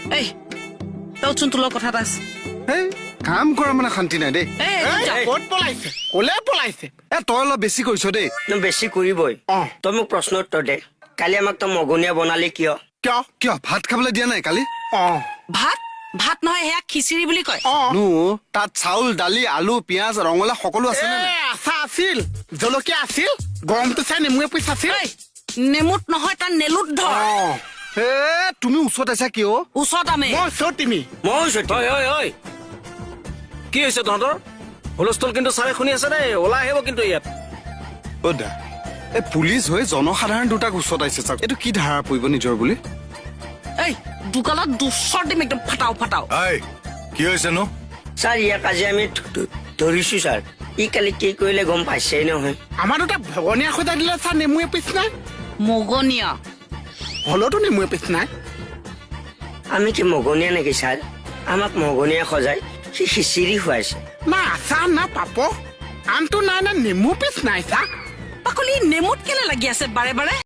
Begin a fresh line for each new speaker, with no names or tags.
এই তচোন তোৰ কথা এটা আছে
এই কাম কৰা মানে শান্তি নাই দেই
ক'ত পলাইছে ক'লে পলাইছে
তই অলপ বেছি কৰিছ দেই
বেছি কৰিবই
অ
তই মোক প্ৰশ্ন উত্তৰ দে কালি আমাক তই মগনীয়া বনালি কিয়
কিয়
কিয় ভাত খাবলৈ দিয়া নাই কালি
অ
ভাত ভাত নহয় সেয়া খিচিৰি বুলি কয়
অ
তাত চাউল দালি আলু পিয়াজ ৰঙালাও সকলো আছে নে নাই
আছা আছিল জলকীয়া আছিল গৰমটো চাই নেমু এপিচ আছিল
এই নেমুত নহয় তাৰ নেলুত ধৰ
তুমি ওচৰত আছা কিয়
ওচৰত আমি
মই চৌ তুমি
মই
কি হৈছে তহঁতৰ হুলস্থুল কিন্তু চাৰে শুনি আছে দেই ওলাই আহিব কিন্তু ইয়াত
দা এই পুলিচ হৈ জনসাধাৰণ দুটাক ওচৰত আহিছে চাওক এইটো কি ধাৰা পৰিব নিজৰ বুলি
এই দোকানত দুচৰ দিম একদম ফাটাও
কি হৈছে নো
ছাৰ ইয়াক আজি আমি ধৰিছো ছাৰ ই কালি কি কৰিলে গম পাইছেই নহয়
আমাৰ দুটা ভগনীয়া সজাই দিলে ছাৰ নেমু এপিচ নাই
মগনীয়া
হলতো নেমু এপিচ নাই
আমি কি মগনীয়া নেকি ছাৰ আমাক মগনীয়া সজাই সি খিচিৰি খুৱাইছে
না আচাৰ না পাপ আনটো নাই না নেমু পিচ নাই ছাৰ
পাকলি নেমুত কেলে লাগি আছে বাৰে বাৰে